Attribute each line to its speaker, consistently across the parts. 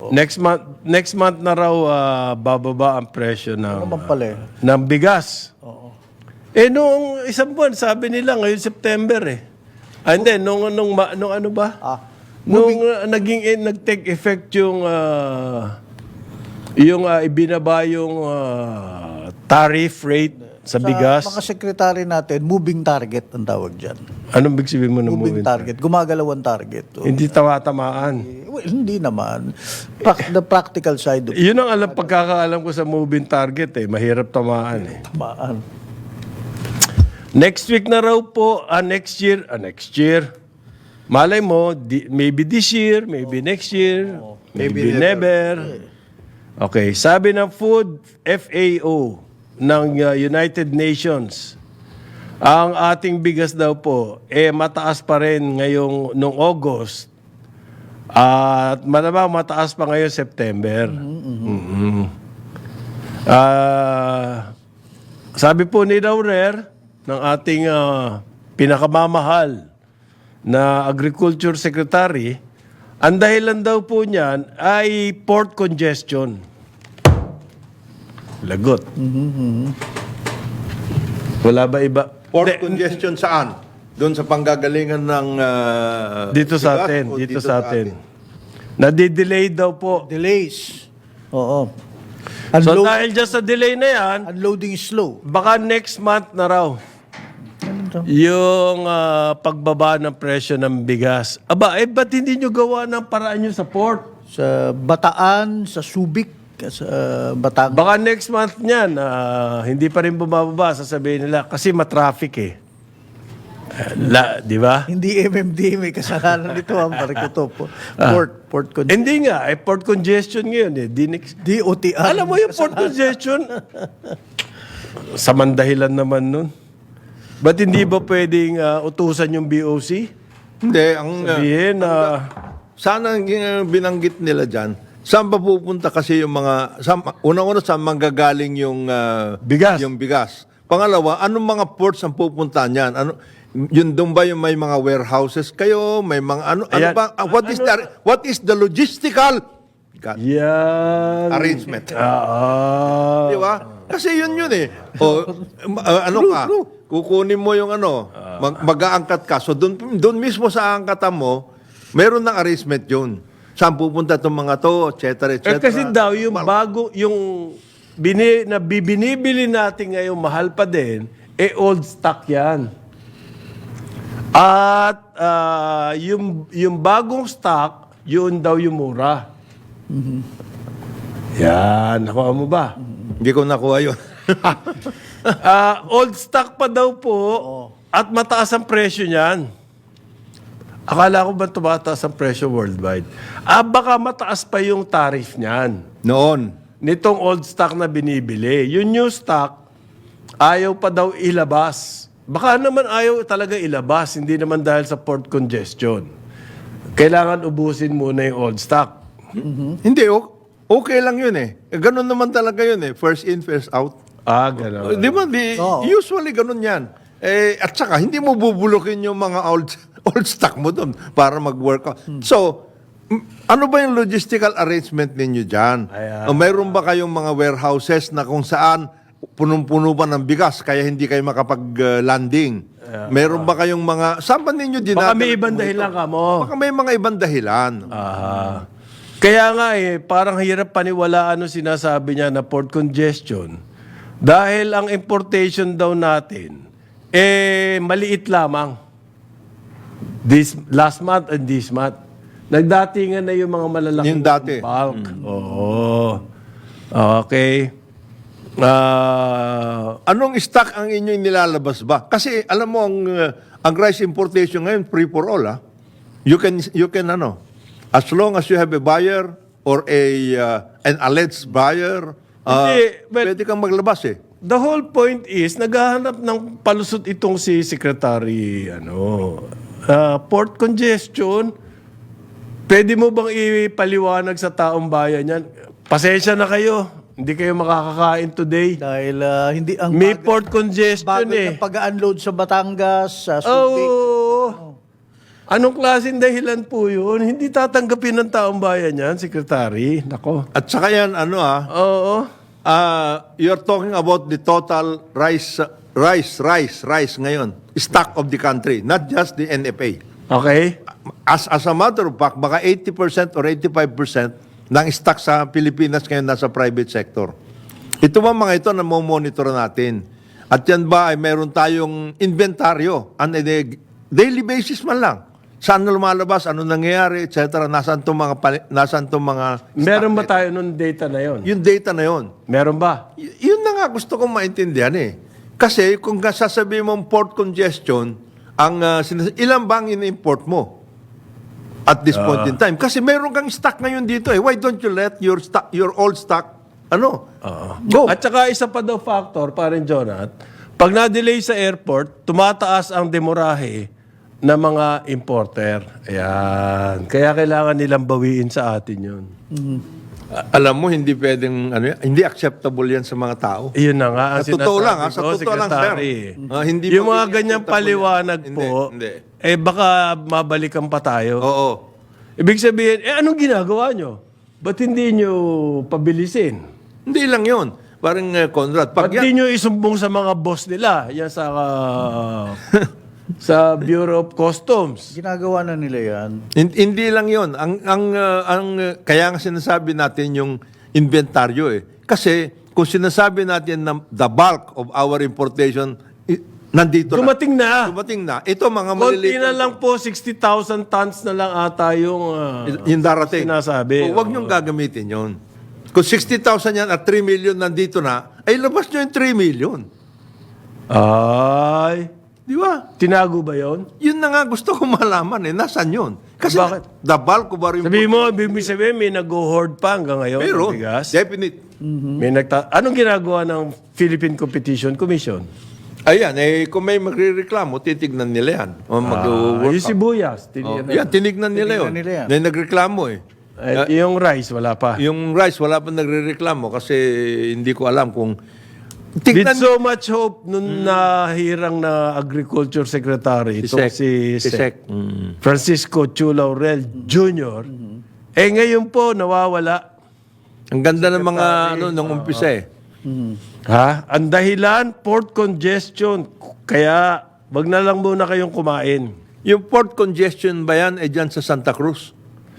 Speaker 1: Next month na raw bababa ang presyo ng
Speaker 2: Naman pala eh.
Speaker 1: ng bigas.
Speaker 2: Oo.
Speaker 1: Noong isang buwan, sabi nila ngayon September eh. Hindi, nung ano ba? Nung nag-take effect yung ibinaba yung tariff rate sa bigas.
Speaker 2: Mga sekretary natin, moving target ang tawag dyan.
Speaker 1: Anong big sabihin mo ng
Speaker 2: Moving target. Gumagalaw ang target.
Speaker 1: Hindi tamaan.
Speaker 2: Well, hindi naman. The practical side of
Speaker 1: Yun ang pagkakaalam ko sa moving target eh. Mahirap tamaan eh.
Speaker 2: tamaan.
Speaker 1: Next week na raw po, next year. Malay mo, maybe this year, maybe next year, maybe never. Okay, sabi ng Food FAO ng United Nations, ang ating bigas daw po, mataas pa rin ngayong nung August at malamang mataas pa ngayon September. Sabi po ni Laurer, ng ating pinakamamahal na Agriculture Secretary, ang dahilan daw po niyan ay port congestion. Lagot. Wala ba iba?
Speaker 3: Port congestion saan? Doon sa panggagalingan ng
Speaker 1: Dito sa
Speaker 3: bigas
Speaker 1: atin.
Speaker 3: o
Speaker 1: Dito sa atin. Nadidelay daw po.
Speaker 2: Delays. Oo.
Speaker 1: So dahil dyan sa delay na yan,
Speaker 2: Unloading is slow.
Speaker 1: baka next month na raw yung pagbaba ng presyo ng bigas. Ba't hindi nyo gawa ng paraan nyo sa port?
Speaker 2: Sa Bataan, sa Subic, sa Batangas.
Speaker 1: Baka next month niyan, hindi pa rin bumababa, sasabihin nila, kasi matraffic eh. Di ba?
Speaker 2: Hindi MMDA may kasalanan nito ang parikuto po. Port congestion.
Speaker 1: Hindi nga, port congestion ngayon eh.
Speaker 2: DOTR.
Speaker 1: Alam mo yung port congestion? Samang dahilan naman nun. Ba't hindi ba pwedeng utusan yung BOC?
Speaker 3: Hindi, ang
Speaker 1: Sabihin
Speaker 3: sana ang binanggit nila dyan, saan ba pupunta kasi yung mga, unang-una saan manggagaling yung
Speaker 1: Bigas.
Speaker 3: Yung bigas. Pangalawa, anong mga ports ang pupunta niyan? Yun doon ba yung may mga warehouses kayo, may mga ano
Speaker 1: Ayan.
Speaker 3: ba what is the logistical
Speaker 1: yan.
Speaker 3: arrangement? Di ba? Kasi yun eh. O ano ka? Kukunin mo yung mag-aangkat ka. So doon mismo sa angkatan mo, meron ng arrangement yun. Saan pupunta itong mga to, et cetera, et cetera.
Speaker 1: Kasi daw yung bago, yung binibili natin ngayon mahal pa din, old stock yan. At yung bagong stock, yun daw yung mura. Yan, nakuha mo ba?
Speaker 3: Hindi ko nakuha yun.
Speaker 1: Old stock pa daw po at mataas ang presyo niyan. Akala ko ba tumataas ang presyo worldwide? Baka mataas pa yung tariff niyan.
Speaker 3: Noon.
Speaker 1: Nitong old stock na binibili. Yung new stock, ayaw pa daw ilabas. Baka naman ayaw talaga ilabas, hindi naman dahil sa port congestion. Kailangan ubusin muna yung old stock.
Speaker 3: Hindi, okay lang yun eh. Ganun naman talaga yun eh. First in, first out.
Speaker 1: Gano'n.
Speaker 3: Di ba? Usually ganun yan. At saka, hindi mo bubulukin yung mga old stock mo doon para mag-work out. So, ano ba yung logistical arrangement ninyo dyan? O mayroon ba kayong mga warehouses na kung saan punong-puno ba ng bigas kaya hindi kayo makapag-landing? Mayroon ba kayong mga... Saan ba ninyo dinadala?
Speaker 1: Baka may ibang dahilan ka mo.
Speaker 3: Baka may mga ibang dahilan.
Speaker 1: Kaya nga parang hirap paniwalaan ano sinasabi niya na port congestion. Dahil ang importation daw natin, maliit lamang. Last month and this month. Nagdatingan na yung mga malalaking
Speaker 3: Yung dati.
Speaker 1: bulk. Oo. Okay.
Speaker 3: Anong stock ang inyong nilalabas ba? Kasi alam mo ang rice importation ngayon free for all You can as long as you have a buyer or an alleged buyer, pwede kang maglabas eh.
Speaker 1: The whole point is naghahanap ng palusot itong si Secretary port congestion. Pwede mo bang ipaliwanag sa taong bayan yan? Pasensya na kayo. Hindi kayo makakakain today.
Speaker 2: Dahil hindi ang
Speaker 1: May port congestion
Speaker 2: bagal na pag-unload sa Batangas, sa Subic.
Speaker 1: Anong klaseng dahilan po yun? Hindi tatanggapin ng taong bayan yan, Secretary. Nako.
Speaker 3: At saka yan,
Speaker 1: Oo.
Speaker 3: you're talking about the total rice ngayon, stock of the country, not just the NFA.
Speaker 1: Okay.
Speaker 3: As a matter of fact, baka 80% or 85% ng stock sa Pilipinas ngayon nasa private sector. Ito ba mga ito na monitor natin? At yan ba ay meron tayong inventaryo on a daily basis man lang? Saan na lumalabas, ano nangyayari, etc. Nasaan itong mga
Speaker 1: Meron ba tayo nung data na yon?
Speaker 3: yung data na yon?
Speaker 1: Meron ba?
Speaker 3: Yun na nga gusto kong maintindihan eh. Kasi kung sasabihin mong port congestion, ilan bang in-import mo at this point in time? Kasi meron kang stock ngayon dito eh. Why don't you let your old stock, go?
Speaker 1: At saka isa pa daw factor, parin Jonat, pag na-delay sa airport, tumataas ang demorahe ng mga importer. Ayan. Kaya kailangan nilang bawiin sa atin yun.
Speaker 3: Alam mo, hindi pwedeng, hindi acceptable yan sa mga tao.
Speaker 1: Iyon na nga ang
Speaker 3: Sa totoo lang,
Speaker 1: sinasabi
Speaker 3: sa
Speaker 1: ko,
Speaker 3: totoo lang, sir.
Speaker 1: Secretary.
Speaker 3: Hindi
Speaker 1: Yung mga
Speaker 3: magiging
Speaker 1: ganyang
Speaker 3: acceptable
Speaker 1: paliwanag
Speaker 3: yan.
Speaker 1: po,
Speaker 3: Hindi.
Speaker 1: baka mabalikan pa tayo.
Speaker 3: Oo.
Speaker 1: Ibig sabihin, anong ginagawa nyo? Ba't hindi nyo pabilisin?
Speaker 3: Hindi lang yun. Parang Conrad,
Speaker 1: Ba't
Speaker 3: pag yan,
Speaker 1: di nyo isumbong sa mga boss nila? Yan sa sa Bureau of Customs.
Speaker 2: Ginagawa na nila yan.
Speaker 3: Hindi lang 'yon. Kaya nga sinasabi natin yung inventaryo eh. Kasi kung sinasabi natin na the bulk of our importation nandito
Speaker 1: Dumating na.
Speaker 3: Dumating na. Ito mga
Speaker 1: Konti
Speaker 3: maliliit
Speaker 1: na lang po, 60,000 tons na lang ata yung
Speaker 3: yung darating.
Speaker 1: sinasabi.
Speaker 3: O, huwag niyong gagamitin 'yon. Kung 60,000 yan at 3 million nandito na, ay labas niyo yung 3 million.
Speaker 1: Ay,
Speaker 3: Di ba?
Speaker 1: tinago ba yon?
Speaker 3: Yun na nga gusto ko malaman eh. Nasaan yun? Kasi
Speaker 1: Bakit?
Speaker 3: the bulk of our
Speaker 1: Sabi mo, ibig sabihin, may nag-hoard pa hanggang ngayon
Speaker 3: Pero,
Speaker 1: ng bigas.
Speaker 3: definite.
Speaker 1: May anong ginagawa ng Philippine Competition Commission?
Speaker 3: Ayan, kung may magre-reklamo, titignan nila yan. O mag-work
Speaker 1: Yung sibuyas.
Speaker 3: Yan, tinignan nila yun.
Speaker 2: Tinignan nila yan.
Speaker 3: May nagreklamo eh.
Speaker 1: At yung rice, wala pa.
Speaker 3: Yung rice, wala pa nagre-reklamo kasi hindi ko alam kung...
Speaker 1: With
Speaker 3: Tignan
Speaker 1: so much hope nung nahirang na Agriculture Secretary, itong si
Speaker 3: Sec.
Speaker 1: Francisco Chu Laurel Jr., ngayon po nawawala.
Speaker 3: Ang ganda ng mga nung umpisa eh.
Speaker 1: Ha? Ang dahilan, port congestion. Kaya, wag na lang muna kayong kumain.
Speaker 3: Yung port congestion ba yan dyan sa Santa Cruz?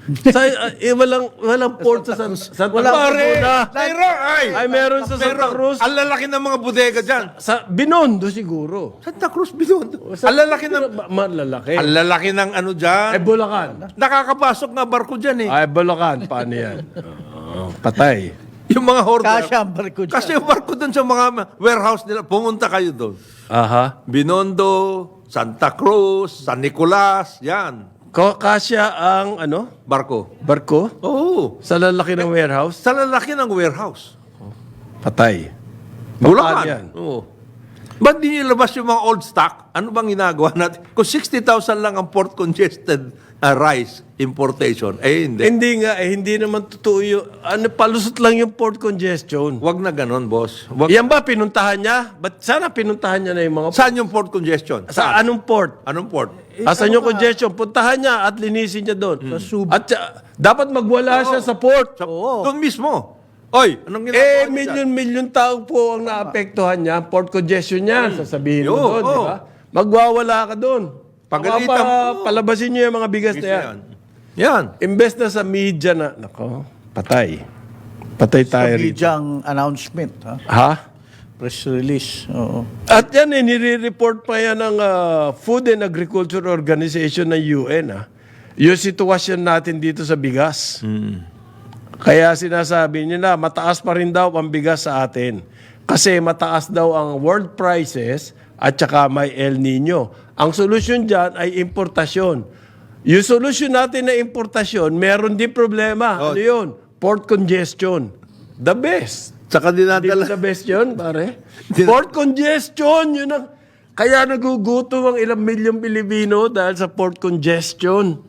Speaker 1: Walang port sa Santa Cruz.
Speaker 3: Pare!
Speaker 1: na.
Speaker 3: Ay,
Speaker 1: Meron sa Santa Cruz.
Speaker 3: Ang lalaki ng mga bodega dyan.
Speaker 1: Sa Binondo siguro.
Speaker 3: Santa Cruz, Binondo. Ang lalaki ng...
Speaker 1: Malalaki.
Speaker 3: Ang lalaki ng dyan.
Speaker 1: Bulacan.
Speaker 3: Nakakapasok nga barko dyan eh.
Speaker 1: Bulacan. Paano yan? Patay.
Speaker 3: Yung mga hoarder.
Speaker 2: Kasya ang barko dyan.
Speaker 3: Kasi yung barko doon sa mga warehouse nila, pumunta kayo doon.
Speaker 1: Aha.
Speaker 3: Binondo, Santa Cruz, San Nicolas, yan.
Speaker 1: Kasya ang
Speaker 3: Barko.
Speaker 1: barko
Speaker 3: Oo.
Speaker 1: sa lalaki ng warehouse.
Speaker 3: Sa lalaki ng warehouse.
Speaker 1: Patay.
Speaker 3: Bulacan.
Speaker 1: yan?
Speaker 3: Oo. Ba't di nyo labas yung mga old stock? Ano bang ginagawa natin? Kung 60,000 lang ang port congested rice importation, hindi.
Speaker 1: Hindi naman totoo yung, palusot lang yung port congestion.
Speaker 3: Wag na ganon, boss. Wag.
Speaker 1: Yan ba pinuntahan niya? Ba't sana pinuntahan niya na yung mga
Speaker 3: Saan yung port congestion?
Speaker 1: Sa anong port?
Speaker 3: Anong port?
Speaker 1: Asan yung congestion? Puntahan niya at linisin niya doon. At dapat magwala siya sa port.
Speaker 3: Doon mismo. Oy, anong ginagawa niyo dyan?
Speaker 1: Milyon-milyon tao po ang naapektuhan niya. Port congestion niya. Sasabihin mo
Speaker 3: Yo,
Speaker 1: doon, di ba? Magwawala ka doon.
Speaker 3: Pagalitan mo.
Speaker 1: Palabasin niyo yung mga bigas na yan.
Speaker 3: Yan.
Speaker 1: Imbes na sa media na, nako, patay. Patay
Speaker 2: Sa
Speaker 1: tayo rito.
Speaker 2: bidyang announcement. Ha?
Speaker 1: Ha?
Speaker 2: Press release. Oo.
Speaker 1: At yan, nire-report pa yan ng Food and Agriculture Organization ng UN. Yung sitwasyon natin dito sa bigas. Kaya sinasabi nila, mataas pa rin daw ang bigas sa atin. Kasi mataas daw ang world prices at saka may El Nino. Ang solusyon dyan ay importasyon. Yung solusyon natin na importasyon, meron din problema. Ano yun? Port congestion. The best.
Speaker 3: Saka
Speaker 1: Hindi
Speaker 3: dinadala.
Speaker 1: ba the best yun, pare? Port congestion, yun ang... Kaya nagugutom ang ilang milyong Pilipino dahil sa port congestion.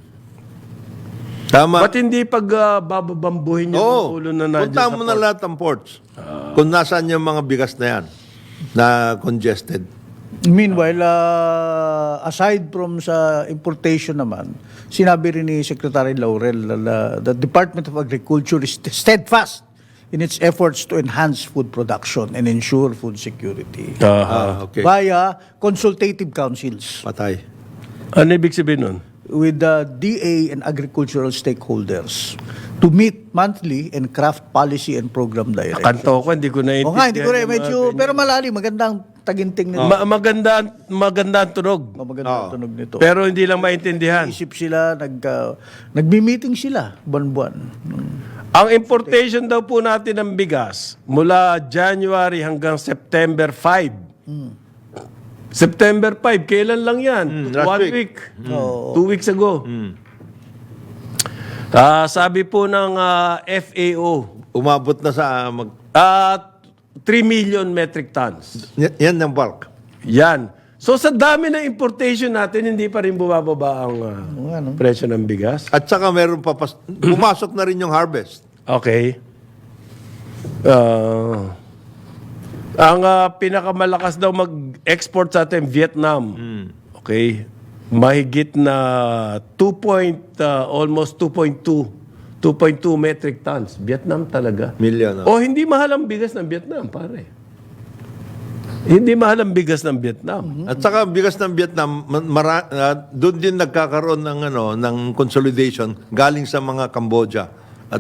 Speaker 3: Tama.
Speaker 1: Ba't hindi bababambuhin yung
Speaker 3: Oo.
Speaker 1: ulo na nandiyan
Speaker 3: Punta
Speaker 1: sa
Speaker 3: mo na
Speaker 1: port?
Speaker 3: lahat ng ports. Kung nasaan yung mga bigas na yan na congested.
Speaker 2: Meanwhile, aside from sa importation naman, sinabi rin ni Secretary Laurel na the Department of Agriculture is steadfast in its efforts to enhance food production and ensure food security
Speaker 3: Okay.
Speaker 2: via consultative councils
Speaker 3: Patay.
Speaker 1: Ano ibig sabihin nun?
Speaker 2: with the DA and agricultural stakeholders to meet monthly and craft policy and program direction.
Speaker 1: Kanto ko, hindi ko
Speaker 2: O
Speaker 1: naiintindihan.
Speaker 2: nga, hindi ko rin
Speaker 1: yung mga
Speaker 2: medyo,
Speaker 1: ganyan.
Speaker 2: pero malalim, magandang taginting nito.
Speaker 1: Maganda ang tunog.
Speaker 2: Magandang tunog nito.
Speaker 1: Pero hindi lang maintindihan.
Speaker 2: Isip sila, nagmi-meeting sila, buwan-buwan.
Speaker 1: Ang importation daw po natin ng bigas mula January hanggang September 5. September 5, kailan lang yan?
Speaker 3: last
Speaker 1: 1
Speaker 3: week.
Speaker 1: week. 2 weeks ago. Sabi po ng FAO,
Speaker 3: Umabot na sa
Speaker 1: 3 million metric tons.
Speaker 3: yan ang bulk.
Speaker 1: Yan. So sa dami ng importation natin, hindi pa rin bumababa ang presyo ng bigas.
Speaker 3: At saka meron pa pumasok na rin yung harvest.
Speaker 1: Okay. Ang pinakamalakas daw mag-export sa atin, Vietnam. Okay. Mahigit na almost 2.2 metric tons. Vietnam talaga.
Speaker 3: Million.
Speaker 1: O hindi mahal ang bigas ng Vietnam, pare. Hindi mahal ang bigas ng Vietnam.
Speaker 3: At saka bigas ng Vietnam, doon din nagkakaroon ng ng consolidation galing sa mga Cambodia. At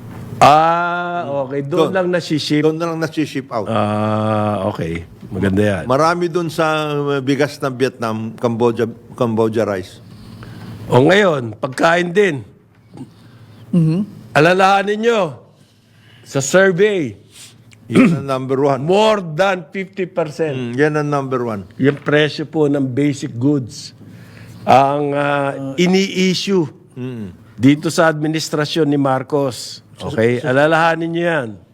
Speaker 1: Okay. Doon lang nasiship.
Speaker 3: doon na lang nasi-ship out.
Speaker 1: Okay. Maganda yan.
Speaker 3: Marami doon sa bigas ng Vietnam, Cambodia rice.
Speaker 1: O ngayon, pagkain din. Alalahanin nyo, sa survey,
Speaker 3: Yan ang number one.
Speaker 1: more than 50%.
Speaker 3: Yan ang number one.
Speaker 1: Yung presyo po ng basic goods ang ini-issue dito sa administrasyon ni Marcos. Okay? Alalahanin nyo yan.